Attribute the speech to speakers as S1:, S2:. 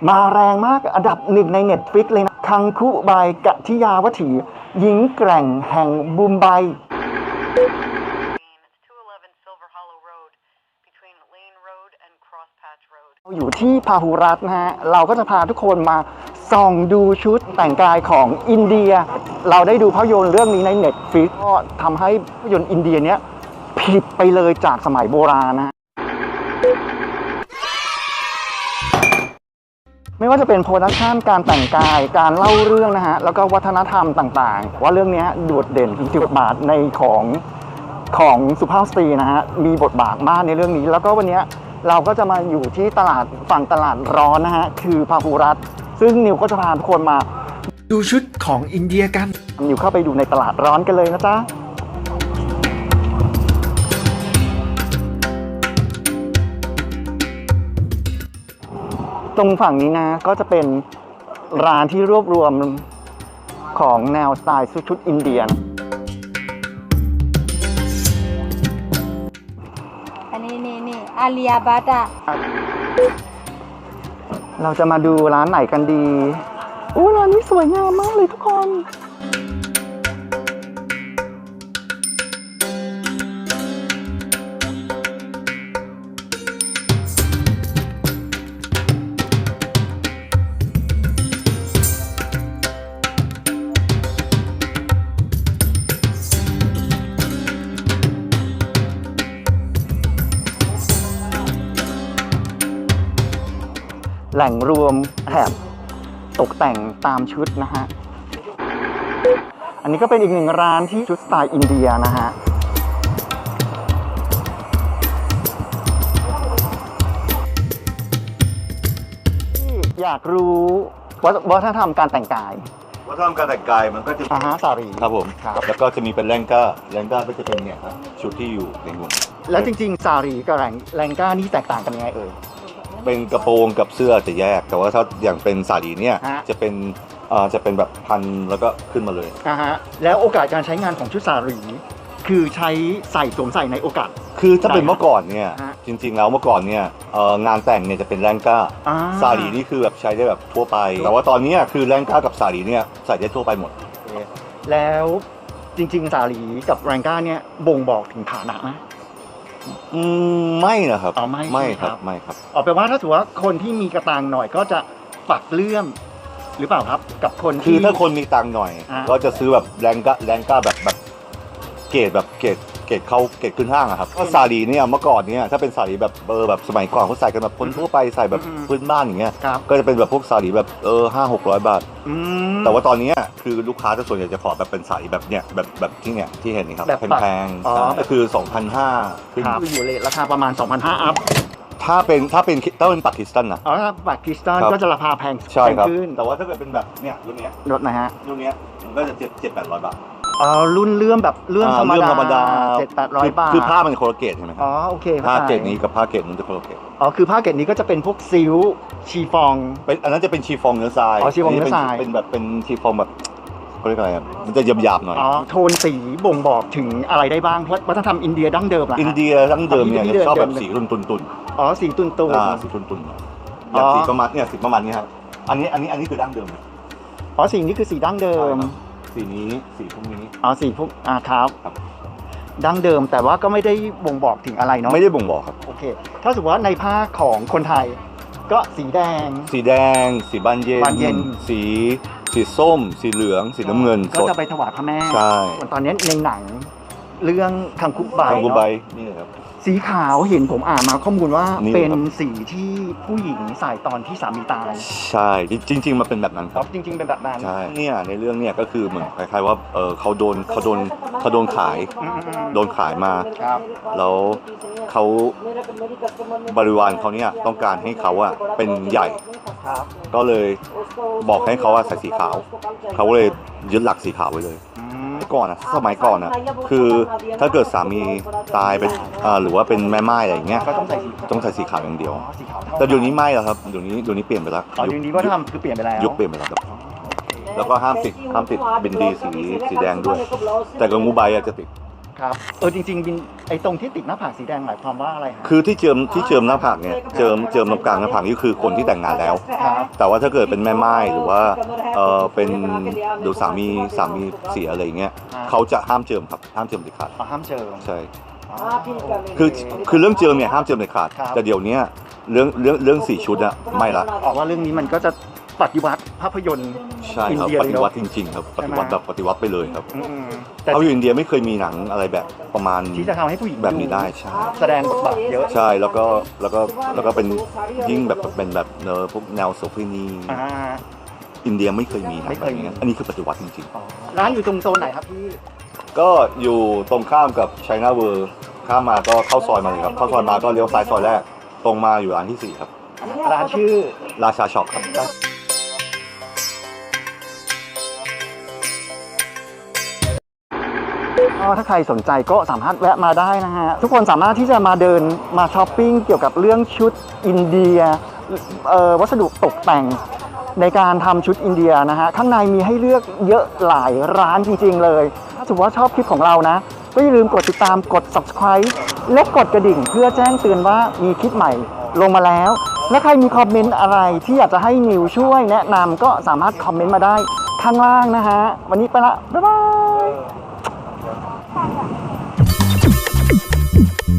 S1: มาแรงมากอันดับหนึ่งใน Netflix เลยนะคังคุบายกะทิยาวัถีหญิงแกร่งแห่งบุมไบอยู่ที่พาหุรัตน์นะฮะเราก็จะพาทุกคนมาส่องดูชุดแต่งกายของอินเดียเราได้ดูภาพยนตร์เรื่องนี้ใน Netflix ก็ทำให้ภาพยนตร์อินเดียเนี้ยผิดไปเลยจากสมัยโบราณนะ ไม่ว่าจะเป็นโปรดักชันการแต่งกายการเล่าเรื่องนะฮะแล้วก็วัฒนธรรมต่างๆว่าเรื่องนี้โดดเด่นถึงบทบาทในของสุภาพสตรีนะฮะมีบทบาทมากในเรื่องนี้แล้วก็วันนี้เราก็จะมาอยู่ที่ตลาดฝั่งตลาดร้อนนะฮะคือพาหุรัตน์ซึ่งนิวก็จะพาทุกคนมาดูชุดของอินเดียกันนิวเข้าไปดูในตลาดร้อนกันเลยนะจ๊ะตรงฝั่งนี้นะก็จะเป็นร้านที่รวบรวมของแนวสไตล์ชุดอินเดีย
S2: อันนี้อาลียาบัตอะ
S1: เราจะมาดูร้านไหนกันดีอู้ร้านนี้สวยงามมากเลยทุกคนแหล่งรวมแถบตกแต่งตามชุดนะฮะ อันนี้ก็เป็นอีกหนึ่งร้านที่ชุดสไตล์อินเดียนะฮะ อยากรู้วัฒนธรรมการแต่งกาย
S3: วัฒนธรรมการแต่งกายมันก็จะ
S1: สารี
S3: ครับผม
S1: ครับ
S3: แล้วก็จะมีเป็นแลงก้าก็จะเป็นเนี่ยครับชุดที่อยู่ในหุ่น
S1: แล้วจริงๆสารีกับแรงก้านี่แตกต่างกันยังไงเอ่ย
S3: เป็นกระโปรงกับเสื้อจะแยกแต่ว่าถ้าอย่างเป็นสาลีเนี่ยจะเป็นแบบพันแล้วก็ขึ้นมาเลย
S1: ฮะแล้วโอกาสการใช้งานของชุดสารีคือใช้สวมใส่ในโอกาส
S3: คือถ้าเป็นเมื่อก่อนเนี่ยจริงๆแล้วเมื่อก่อนเนี่ยงานแต่งเนี่ยจะเป็นแลงก้าสาลีนี่คือแบบใช้ได้แบบทั่วไปแต่ว่าตอนนี้คือแลงก้ากับสาลีเนี่ยใส่ได้ทั่วไปหมด
S1: แล้วจริงๆสาลีกับแลงก้าเนี่ยบ่งบอกถึงฐานะไหม
S3: ไม่นะครับ
S1: ไม่ครับแปลว่าถ้าถือว่าคนที่มีกระตังหน่อยก็จะปักเลื่อมหรือเปล่าครับกับคน
S3: ที่คือถ้าคนมีตังหน่อยก็จะซื้อแบบแรงก้าแบบเกรดเข้าเกรดขึ้นห้างอะครับก็สาลีเนี่ยเมื่อก่อนเนี่ยถ้าเป็นสาลีแบบแบบสมัยก่อนเขาใส่กันแบบคนทั่วไปใส่แบบพื้นบ้านอย่างเงี้ยก็จะเป็นแบบพวกสาลีแบบ500-600 บาทแต่ว่าตอนนี้คือลูกค้าส่วนใหญ่จะขอแบบเป็นสาลีแบบเนี้ยแบบที่เนี่ยที่เห็นนี่ครับแพงๆก็คือ 2,500 ขึ้น
S1: อยู่เลยราคาประมาณ 2,500 อัพ
S3: ถ้าเป็นปากีสถานนะ
S1: ถ้าปากีสถานก็จะราคาแพง
S3: ขึ้นแต่ว่าถ้าเกิดเป็นแบบเนี่ยรุ่นนี้
S1: รถนะฮะ
S3: รุ่นนี้มันก็จะ700-800 บาท
S1: รุ่นเลื่อมแบบเลื่อมธรรมดา700-800 บาท
S3: คือผ้ามันโคลเกตใช่ไหมครับ
S1: โอเค
S3: ผ้าเกตนี้กับผ้าเกตนู้นจะโคลเกต
S1: คือผ้าเกตนี้ก็จะเป็นพวกซิลชีฟอง
S3: เป็นอันนั้นจะเป็นชีฟองเนื้อทราย
S1: ชีฟองเนื้อทราย
S3: เป็นแบบเป็นชีฟองแบบเขาเรียกอะไรมันจะหยาบๆหน่อย
S1: โทนสีบ่งบอกถึงอะไรได้บ้างเพราะวัฒนธรรมอินเดียดั้งเดิม
S3: อินเดียดั้งเดิมเนี่ยชอบแบบสีตุ่น
S1: สีตุ่น
S3: สีตุ่นอย่างสีประมาณเนี่ยสีประมาณนี้ครับอันนี้คือดั้งเดิม
S1: สีนี้คือสีดั้งเดิม
S3: สีนี้สีพวกนี้
S1: สีพวกครับดั้งเดิมแต่ว่าก็ไม่ได้บ่งบอกถึงอะไรเนาะ
S3: ไม่ได้บ่งบอกครับ
S1: โอเคถ้าสมมติว่าในภาคของคนไทยก็สีแดง
S3: สีบานเย็นสีส้มสีเหลืองสีน้ำเงิน
S1: ก็จะไปถวายพระแม่
S3: ใช่
S1: ตอนนี้ในหนังเรื่องคังคุใบ
S3: นี่เลยครับ
S1: สีขาวเห็นผมอ่านมาข้อมูลว่าเป็นสีที่ผู้หญิงใส่ตอนที่สามีตาย
S3: ใช่จริงๆมันเป็นแบบนั้นครับ
S1: จริงๆเป็นแบบนั้น
S3: ใช่เนี่ยในเรื่องเนี่ยก็คือเหมือนคล้ายๆว่าเขาโดนขายมาแล้วเขาบริวารเขาเนี่ยต้องการให้เขาเป็นใหญ่ก็เลยบอกให้เขาใส่สีขาวเขาเลยยึดหลักสีขาวไว้เลยก่อนสมัยก่อนคือถ้าเกิดสามีตายเป็นหรือว่าเป็นแม่ไม้อะไรอย่างเงี้ยต้องใส่สีขาวอย่างเดียวแต่เดี๋ยวนี้ไม่แล้วครับเดี๋ยวนี้เปลี่ยนไปแล้ว
S1: เดี๋ยวนี้ก็ทำคือเปลี่ยนไปแล้ว
S3: ยุคเปลี่ยนไปแล้วครับแล้วก็ห้ามติดบินดีสีแดงด้วยแต่กับงูใบจะติด
S1: ครับจริงๆบินไอ้ตรงที่ติดหน้าผากสีแดงหมายความว่าอะไรฮะ
S3: คือที่เจิมหน้าผากเนี่ยเจิมตรงกลางหน้าผากนี่คือคนที่แต่งงานแล้ว
S1: ครับ
S3: แต่ว่าถ้าเกิดเป็นแม่ไม้หรือว่าเป็นดูสามีเสียอะไรอย่างเงี้ยเขาจะห้ามเจิมครับห้ามเจิมเด็ดขาด
S1: ห้ามเจอ
S3: ใช่
S1: อ๋อ
S3: คือเรื่องเจิมเนี่ยห้ามเจิมเด็ดขาด
S1: ครับ
S3: แต่เดี๋ยวเนี้ยเรื่องสีชุดอะไม่ละ
S1: ออกว่าเรื่องนี้มันก็จะปฏิวัติภาพยนตร์
S3: ใช่ครับ
S1: อินเดีย
S3: ป
S1: เลย
S3: ฏิ
S1: เนอะ
S3: วัติจริงๆครับปฏิวัติแบบปฏิวัติไปเลยครับ
S1: อืมแต่
S3: เอาอยู่อินเดียไม่เคยมีหนังอะไรแบบประมาณ
S1: ที่จะทำให้ผู้หญิง
S3: แบบนี้ได้ใช่
S1: แสดงบทบาทเยอะ
S3: ใช่แล้วก็เป็นยิ่งแบบเป็นแบบพวกแนวโสเภณี
S1: อ่า
S3: อินเดียไม่เคยมีหนัง
S1: ไม่
S3: แบ
S1: เคย
S3: บ
S1: มี
S3: นี้อันนี้คือปฏิวัติจริง
S1: ร้านอยู่ตรงโซนไหนครับพี่
S3: ๆ ก็อยู่ตรงข้ามกับ China World ข้ามมาก็เข้าซอยมาเลยครับเข้าซอยมาก็เลี้ยวซ้ายซอยแรกตรงมาอยู่ร้านที่ 4 ครับ
S1: ร้านชื่อ
S3: ราชาช็อปครับ
S1: ถ้าใครสนใจก็สามารถแวะมาได้นะฮะ ทุกคนสามารถที่จะมาเดินมาช้อปปิ้งเกี่ยวกับเรื่องชุดอินเดียวัสดุตกแต่งในการทำชุดอินเดียนะฮะ ข้างในมีให้เลือกเยอะหลายร้านจริงๆเลย ถ้าสมมติว่าชอบคลิปของเรานะ ก็อย่าลืมกดติดตามกด subscribe และกดกระดิ่งเพื่อแจ้งเตือนว่ามีคลิปใหม่ลงมาแล้ว และใครมีคอมเมนต์อะไรที่อยากจะให้นิวช่วยแนะนำก็สามารถคอมเมนต์มาได้ข้างล่างนะฮะ วันนี้ไปละ บ๊ายบาย